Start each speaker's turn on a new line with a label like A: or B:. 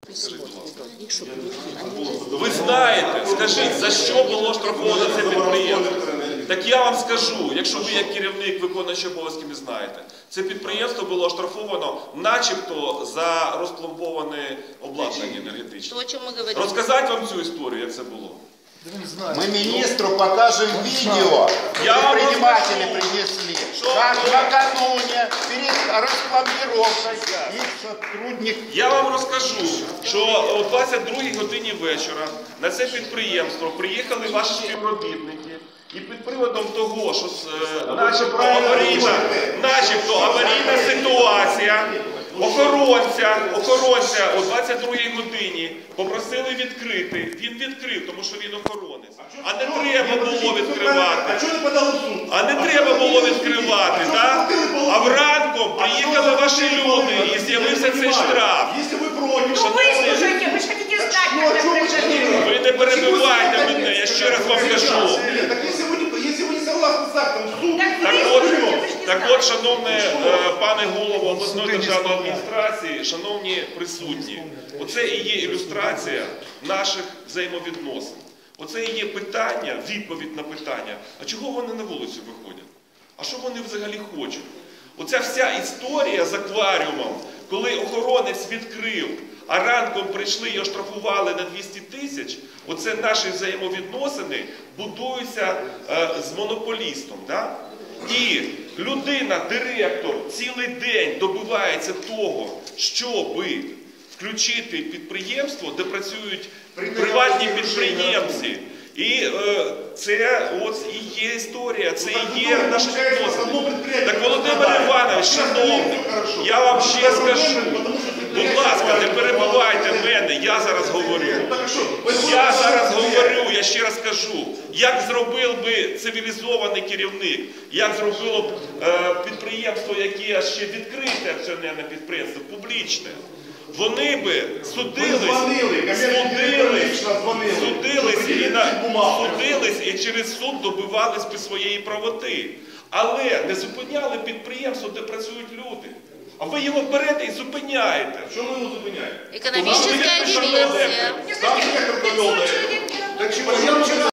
A: Скажіть, будь ласка. Ви знаєте, скажіть, за що було штрафовано це підприємство? Так я вам скажу, якщо ви як керівник виконуючий обов'язки не знаєте, це підприємство було оштрафовано начебто за розпломбоване обладнання енергетичне. Розказати вам цю історію, як це було?
B: Мы министру покажем видео, предприниматели принесли, как накануне перед распломбировкой их сотрудник...
A: Я вам розкажу, що о 22-й годині вечора на це підприємство приїхали ваші співробітники і під приводом того, що начебто аварійна ситуація, охоронця о 22-й годині попросили відкрити. Він відкрив, тому що він охоронець. А не треба було відкривати. А не треба було відкривати, так? А вранком приїхали ваші люди і з'явився цей штраф. Ви не перебивайте мене, я ще раз вам кажу. Так от, шановне пане голово обласної державної адміністрації, шановні присутні, оце і є ілюстрація наших взаємовідносин. Оце і є питання, відповідь на питання, а чого вони на вулицю виходять? А що вони взагалі хочуть? Оця вся історія з акваріумом, коли охоронець відкрив, а ранком прийшли і оштрафували на 200 тисяч, оце наші взаємовідносини будуються з монополістом. Да? І людина, директор, цілий день добивається того, щоб включити підприємство, де працюють приватні підприємці. І це ось і є історія, це і є наші відносини. Так, Володимир Іванович, шановний, я вам ще скажу, будь ласка, не перебивайте мене, я зараз говорю. Я ще раз кажу, як зробив би цивілізований керівник, як зробило б підприємство, яке ще відкрите акціонерне підприємство, публічне. Вони би судились і через суд добивались би своєї правоти. Але не зупиняли підприємство, де працюють люди. А ви його берете і зупиняєте. Чому ви його зупиняєте?
C: Економічна диверсія.